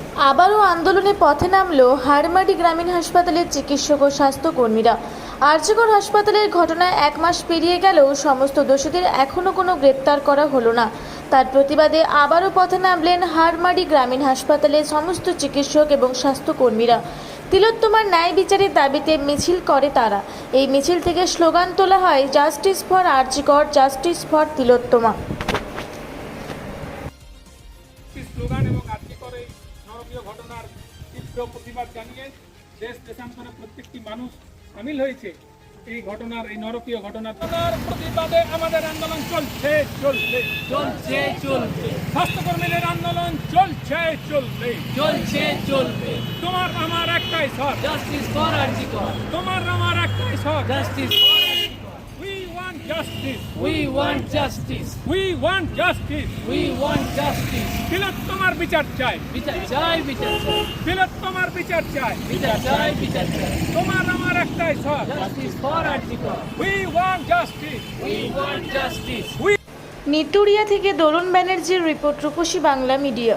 আবারও আন্দোলনে পথে নামল হাড়মাটি গ্রামীণ হাসপাতালের চিকিৎসক ও স্বাস্থ্যকর্মীরা। আরজিকর হাসপাতালের ঘটনায় 1 মাস পেরিয়ে গেলেও সমস্ত দোষীদের এখনও কোনো গ্রেপ্তার করা হলো না। তার প্রতিবাদে আবারও পথে নামলেন হাড়মাটি গ্রামীণ হাসপাতালের সমস্ত চিকিৎসক এবং স্বাস্থ্যকর্মীরা। তিলোত্তমার ন্যায় বিচারের দাবিতে মিছিল করে তারা। এই মিছিল থেকে স্লোগান তোলা হয়, justice for RG Kar, justice for Tilottama. Slogan এবং আর্থিকর এই নরকীয় ঘটনার তীব্র প্রতিবাদ জানিয়ে দেশ দেশান্তরে প্রত্যেকটি মানুষ সামিল হয়েছে এই ঘটনার, এই নরকীয় ঘটনার প্রতিবাদে আমাদের আন্দোলন চলছে চলছে চলছে চলবে, স্বাস্থ্যকর্মীদের আন্দোলন চলছে চলবে চলছে চলবে। তোমার আমার একটাই স্বর, জাস্টিস ফর আরজিকর, তোমার আমার একটাই স্বর। Justice for RG Kar. We want justice, We want justice, we want justice. we want justice. তিলোত্তমার বিচার চাই, বিচার চাই, বিচার চাই, তিলোত্তমার বিচার চাই। বিচার চাই, বিচার চাই। তোমার আমার একটাই স্বর, justice for RG Kar, we want justice. we want justice. Neturia থেকে দরুন ব্যানার্জির রিপোর্ট, রূপসী বাংলা মিডিয়া।